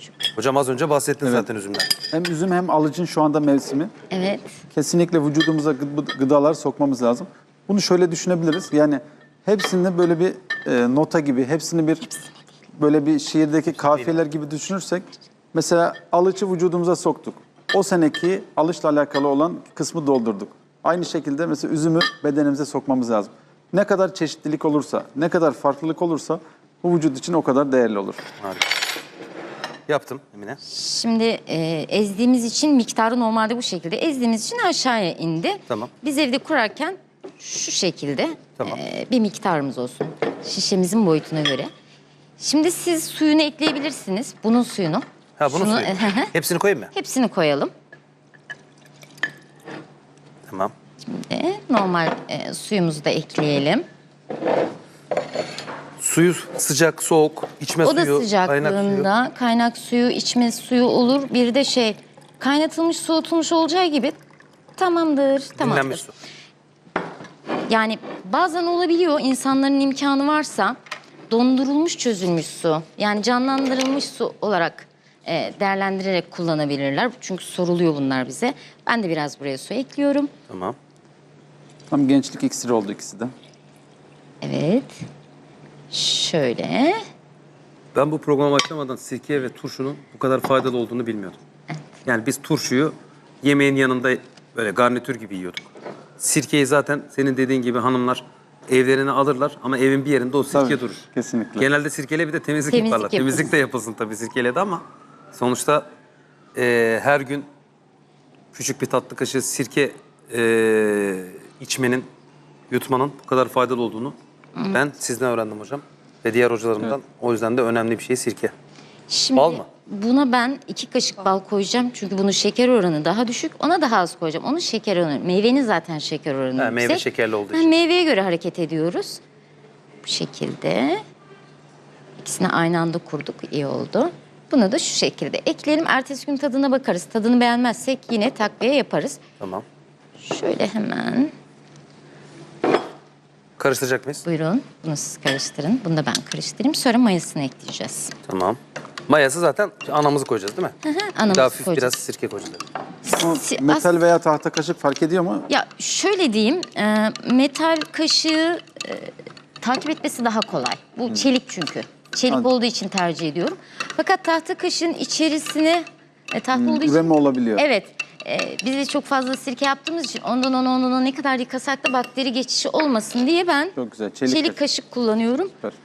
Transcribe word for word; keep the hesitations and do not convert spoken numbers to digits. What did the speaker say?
Hocam az önce bahsettin Evet. zaten üzümden. Hem üzüm hem alıcın şu anda mevsimi. Evet. Kesinlikle vücudumuza gı- gıdalar sokmamız lazım. Bunu şöyle düşünebiliriz. Yani hepsini böyle bir e, nota gibi, hepsini bir böyle bir şiirdeki kafiyeler gibi düşünürsek, mesela alıcı vücudumuza soktuk. O seneki alışla alakalı olan kısmı doldurduk. Aynı şekilde mesela üzümü bedenimize sokmamız lazım. Ne kadar çeşitlilik olursa, ne kadar farklılık olursa bu vücut için o kadar değerli olur. Harika. Yaptım Emine. Şimdi e, ezdiğimiz için miktarı normalde bu şekilde. Ezdiğimiz için aşağıya indi. Tamam. Biz evde kurarken şu şekilde Tamam. e, bir miktarımız olsun. Şişemizin boyutuna göre. Şimdi siz suyunu ekleyebilirsiniz. Bunun suyunu. Ha bunu Şunu- suyu. Hepsini koyayım mı? Hepsini koyalım. Tamam. E, normal e, suyumuzu da ekleyelim. Suyu sıcak, soğuk, içme O suyu, da kaynak suyu. sıcaklığında kaynak suyu, içme suyu olur. Bir de şey kaynatılmış, soğutulmuş olacağı gibi tamamdır, tamamdır. Dinlenmiş su. Yani bazen olabiliyor insanların imkanı varsa dondurulmuş çözülmüş su yani canlandırılmış su olarak e, değerlendirerek kullanabilirler. Çünkü soruluyor bunlar bize. Ben de biraz buraya su ekliyorum. Tamam. Tam gençlik iksiri oldu ikisi de. Evet. Şöyle. Ben bu programa başlamadan sirke ve turşunun bu kadar faydalı olduğunu bilmiyordum. Yani biz turşuyu yemeğin yanında böyle garnitür gibi yiyorduk. Sirkeyi zaten senin dediğin gibi hanımlar evlerine alırlar ama evin bir yerinde o sirke Tabii, durur. kesinlikle. Genelde sirkeyle bir de temizlik, Temizlik yaparlar. yapılsın. Temizlik de yapılsın tabii sirkeyle de ama sonuçta e, her gün küçük bir tatlı kaşığı sirke e, içmenin, yutmanın bu kadar faydalı olduğunu ben sizden öğrendim hocam. Ve diğer hocalarımdan. O yüzden de önemli bir şey sirke. Şimdi Bal mı? buna ben iki kaşık bal koyacağım. Çünkü bunun şeker oranı daha düşük. Ona daha az koyacağım. Onun şeker oranı, meyvenin zaten şeker oranı Ha, yüksek. meyve şekerli olduğu Ha, için. meyveye göre hareket ediyoruz. Bu şekilde. İkisini aynı anda kurduk. İyi oldu. Bunu da şu şekilde ekleyelim. Ertesi gün tadına bakarız. Tadını beğenmezsek yine takviye yaparız. Tamam. Şöyle hemen. Karıştıracak mıyız? Buyurun. Bunu siz karıştırın. Bunu da ben karıştırayım. Sonra mayasını ekleyeceğiz. Tamam. Mayası zaten anamızı koyacağız değil mi? Hı hı, Bir de anamızı hafif koyacağız. biraz sirke koyacağız. Ama Si- metal veya tahta kaşık fark ediyor mu? Ya şöyle diyeyim, e, metal kaşığı e, takip etmesi daha kolay. Bu çelik çünkü. Çelik Anladım. olduğu için tercih ediyorum. Fakat tahta kaşığın içerisine e, tahta olduğu için... Üreme olabiliyor. Evet. E, biz de çok fazla sirke yaptığımız için ondan ona ondan ona ne kadar yıkasak da bakteri geçişi olmasın diye ben Çok güzel. Çelik çelik kaşık. kaşık kullanıyorum. Süper.